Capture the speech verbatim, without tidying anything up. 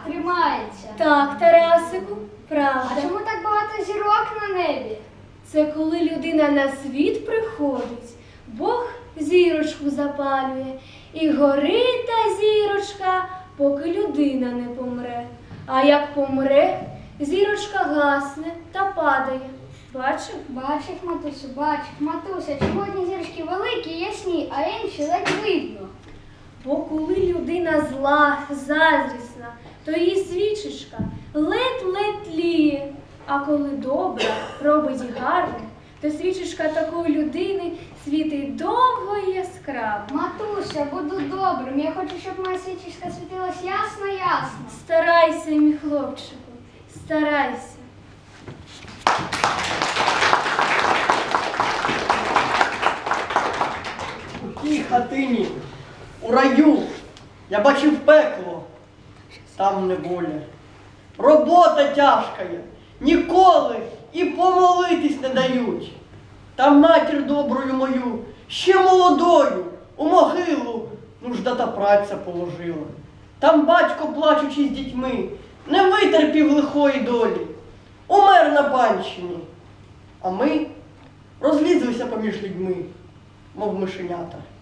тримається. Так, Тарасику, правда. А чому так багато зірок на небі? Це коли людина на світ приходить, Бог зірочку запалює, і горить та зірочка, поки людина не помре. А як помре, зірочка гасне та падає. Бачив? Бачив, матусю, бачив. Матуся, чому одні зірочки великі і ясні, а інші ледь видно? Бо коли людина зла, заздрісна, то її свічечка ледь-ледь тліє. А коли добра, робить гарне, то свічечка такої людини світить довго і яскраво. Матуся, буду добрим. Я хочу, щоб моя свічечка світилась ясно-ясно. Старайся, мій хлопчику, старайся. У тій хатині, у раю, я бачив пекло, там неволя. Робота тяжка є, ніколи і помолитись не дають. Там матір доброю мою, ще молодою, у могилу нужда та праця положила. Там батько, плачучи з дітьми, не витерпів лихої долі, умер на панщині. А ми розлізлися поміж людьми, мов мишенята.